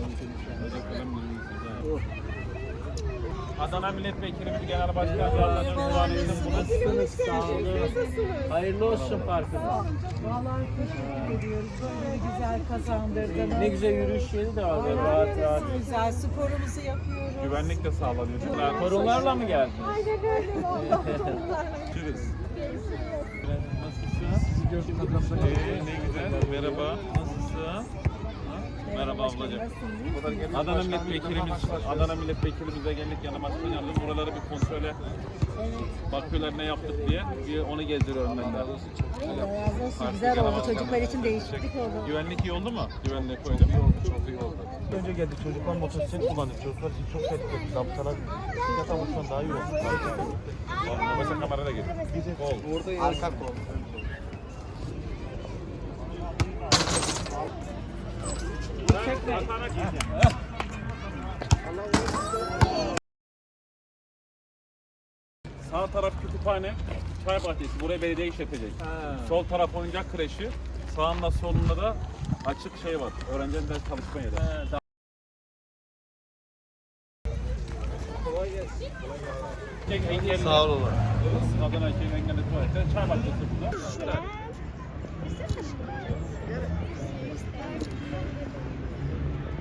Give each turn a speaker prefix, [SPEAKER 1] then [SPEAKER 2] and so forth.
[SPEAKER 1] Adana Milletvekilimiz Genel Başkan Yardımcımız.
[SPEAKER 2] Nasılsınız? Sağ olun. Hayırlı olsun parkınız.
[SPEAKER 3] Vallahi teşekkür ediyoruz. Böyle güzel kazandırdınız.
[SPEAKER 2] Ne güzel yürüyüş yeri de var. Rahat rahat.
[SPEAKER 3] Güzel sporumuzu yapıyoruz.
[SPEAKER 1] Güvenlik de sağlanıyor.
[SPEAKER 2] Torunlarla mı geldiniz?
[SPEAKER 3] Aynen öyle vallahi.
[SPEAKER 1] Görüşürüz.
[SPEAKER 2] Nasılsınız?
[SPEAKER 1] Ne güzel. Merhaba. Nasılsın? Merhaba ablacığım. Adana milletvekilimize geldik yanı başkan yardımcı. Buraları bir kontrole bakıyorlar ne yaptık diye. Bir onu gezdiriyorum ben de.
[SPEAKER 4] Güzel oldu. Çocuklar için değişiklik oldu.
[SPEAKER 1] Güvenlik iyi oldu mu? Güvenliği koydum.
[SPEAKER 5] Çok iyi oldu. Önce geldik çocuklar motosiklet kullanıyor. Çocuklar için çok tehlikeli. Zabıtalar zaten uçtan daha iyi oldu.
[SPEAKER 1] Mesela kamera da geliyor.
[SPEAKER 5] Orada arka kol.
[SPEAKER 1] Sağ taraf kütüphane, çay bahçesi. Burayı belediye işletecek. Sol taraf oyuncak kreşi. Sağında solunda da açık şey var. Öğrencilerin ders çalışma yeri.
[SPEAKER 5] Sağ olun.
[SPEAKER 1] Adana Şehir Engelli Tuvalet'te çay bahçesi burada.